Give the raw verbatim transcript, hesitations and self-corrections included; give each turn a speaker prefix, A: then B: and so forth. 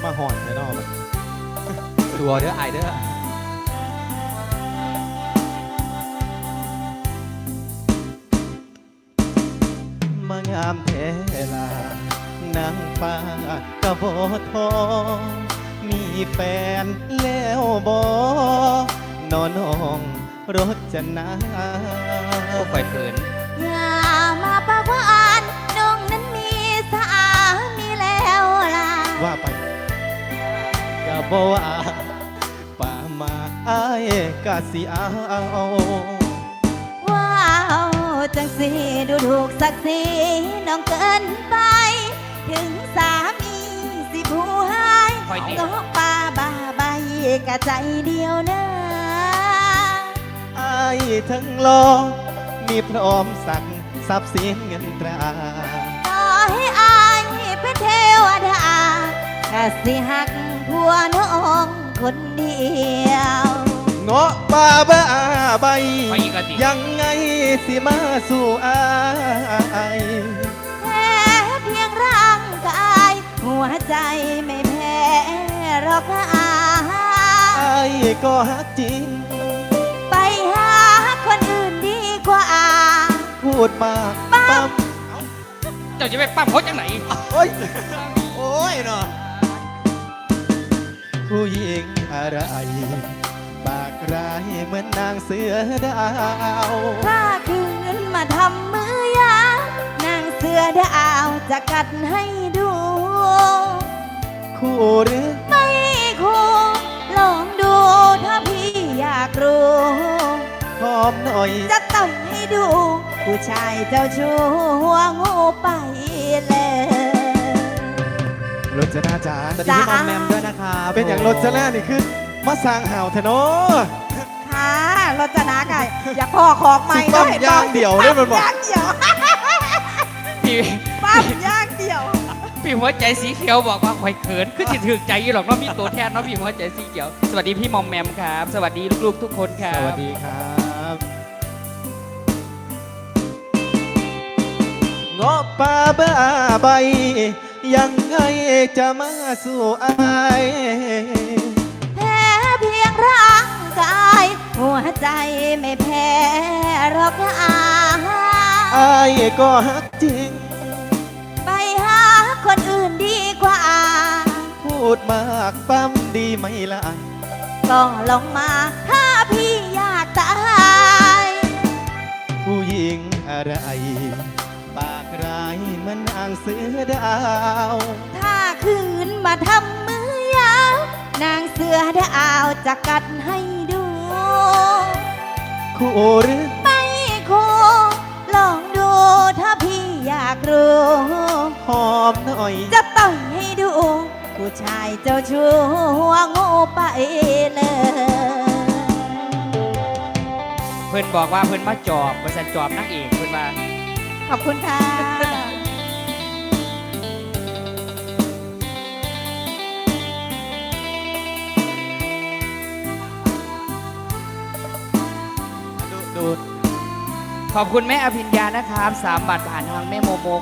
A: มาหอนแน่นอน
B: ตัวเด้อไอเด้อ
A: มางามเทลานางฟ้ากะบ่ทอมีแฟนแล้วบ่นอนน้องรถจะนา
B: โอ้ข่อยเขิน
C: อย่ามาปากหวานน้องนั้นมีสามีแล้วล่ะ
A: ว่าไปกะบ่ว่าป่ามาอ้ายกะสิเอา
C: ว้าวจังสีดูถูกศักดิ์ศรีน้องเกินไป ถึงสามีสิผู้ให้
B: ข่อยนี่
C: ก็ป้าบ้าใบกะใจเดียวนะ
A: อายทั้งรอมีพร้อมสั่งทรัพย์สินเงินตรา
C: ต่อให้อายเป็นเทวดากะสิหักผัวน้องคนเดียว
A: เงาะป่าบ้าใบ
B: ข่อยอีกแล้วสิ
A: ยังไงสิมาสู่อาย
C: แพ้เพียงร่างกาย หัวใจไม่แพ้หรอกนะอา
A: อายก็ฮักจริง
C: ไปหาคนอื่นดีกว่า
A: พูดมากปั๊ม
B: เจ้าจะไปปั้มเขาจังไหน
A: โอ้ย โอ้ยเนาะผู้หญิงอะไร ปากร้ายเหมือนนางเสือดาว
C: ถ้าคืนมาทำมือยางนางเสือดาวจะกัดให้ดู
A: คู่หรือ
C: ไม่คู่ลองดูถ้าพี่อยากรู้
A: พร้อมหน่อย
C: จะต้องให้ดู ผู้ชายเจ้าชู้หัวงูไปเลย
A: รจนาจา
B: สวัสดีพี่มอมแมมด้วยนะครับ
A: เป็นอย่างรจนานี่คือมาสร้างห่าวเถอะเนาะ
C: ค่ะรจนาไก่อยากพ่อของใหม่
A: สิปั้มย่างเดี่ยวได้มันบอก
C: ย่างเดี่ยว
B: พี่
C: ปั้มย่างเดี่ยว
B: พี่หัวใจสีเขียวบอกว่าข่อยเขินคือจิตถึกใจอยู่หรอกเนาะมีตัวแทนเนาะพี่หัวใจสีเขียว สวัสดีพี่มอมแมมครับ สวัสดีลูกๆทุกคนครั
A: ส
B: บ
A: วัสดีครับ เงาะป่าบ้าใบ ยังไงจะมาสู่อาย
C: แพ้เพียงร่างกาย หัวใจไม่แพ้หรอกนะอา
A: อายก็ฮักจริง
C: ไปหาคนอื่นดีกว่า
A: พูดมากปั๊มดีไหมล่ะ
C: ก็ลงมาถ้าพี่อยากตาย
A: ผู้หญิงอะไร ปากร้ายเหมือนนางเสือดาว
C: ถ้าคืนมาทำมือยาวนางเสือดาวจะกัดให้ดู
A: คู่หรือ
C: ไม่คู่ลองดูถ้าพี่อยากรู้
A: หอมหน่อย
C: จะต้องให้ดู ผู้ชายเจ้าชู้หัวงูไปเลย
B: เพื่อนบอกว่าเพื่อนมาจอบบริษัทจอบนักเอกเพื่อนมา
C: ขอบคุณค่ะ
A: ดูดู
B: ขอบคุณแม่อภิญญานะครับสามบัตรผ่านทางแม่โมโม